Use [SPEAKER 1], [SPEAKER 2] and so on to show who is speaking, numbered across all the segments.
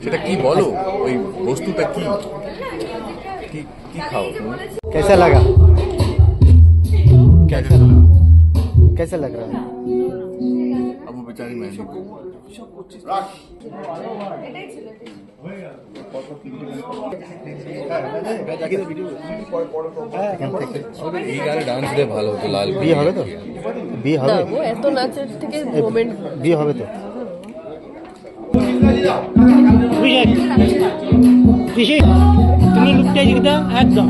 [SPEAKER 1] সেটা কি বলো, ওই বস্তুটা কি কি কি খাও তুমি?
[SPEAKER 2] कैसा लगा
[SPEAKER 1] कैसा
[SPEAKER 2] कैसा लग रहा है
[SPEAKER 1] अब वो बेचारी मेहंदी এই গানে ডান্স দিয়ে ভালো হতো। লাল
[SPEAKER 2] বিয়ে হবে তো বিয়ে হবে
[SPEAKER 3] ও এত নাচের থেকে মোমেন্ট
[SPEAKER 2] বিয়ে হবে তো
[SPEAKER 4] তুমি লুকটা জিগদা একদম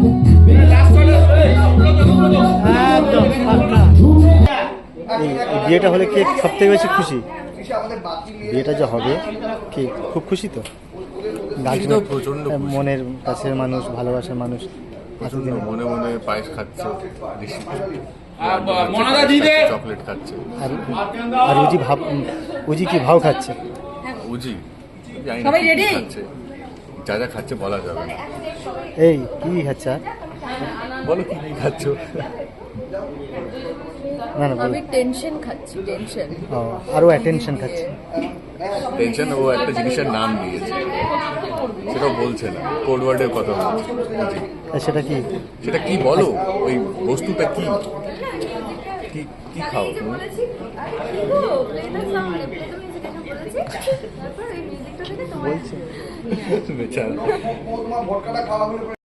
[SPEAKER 4] একদম পাক্কা।
[SPEAKER 2] এই বিয়েটা হলে কে সব থেকে বেশি খুশি? বিয়েটা যে হবে কি খুব খুশি তো?
[SPEAKER 1] খুশি তো, প্রচণ্ড খুশি।
[SPEAKER 2] মনের কাছের মানুষ, ভালোবাসার মানুষ
[SPEAKER 1] প্রচন্ড মনে মনে পায়েস খাচ্ছে, ঋষি চকলেট খাচ্ছে।
[SPEAKER 2] আর আর উজি কি ভাও খাচ্ছে?
[SPEAKER 1] উজি জানি না কি কি খাচ্ছে, যা যা খাচ্ছে বলা যাবে না।
[SPEAKER 2] এই কি খাচ্ছে? আর
[SPEAKER 1] বলো কি কি খাচ্ছ?
[SPEAKER 2] না না বলো।
[SPEAKER 3] আমি টেনশন খাচ্ছি, টেনশন।
[SPEAKER 2] ও, আরও অ্যাটেনশন খাচ্ছে।
[SPEAKER 1] টেনশন। ও একটা জিনিসের নাম দিয়েছে, সেটাও বলছে না, কোড ওয়ার্ডের কথা বলছে। উজি
[SPEAKER 2] সেটা কি?
[SPEAKER 1] সেটা কি বলো, ওই বস্তুটা কি কি কি খাও তুমি?
[SPEAKER 2] বলছে
[SPEAKER 1] বেচারা।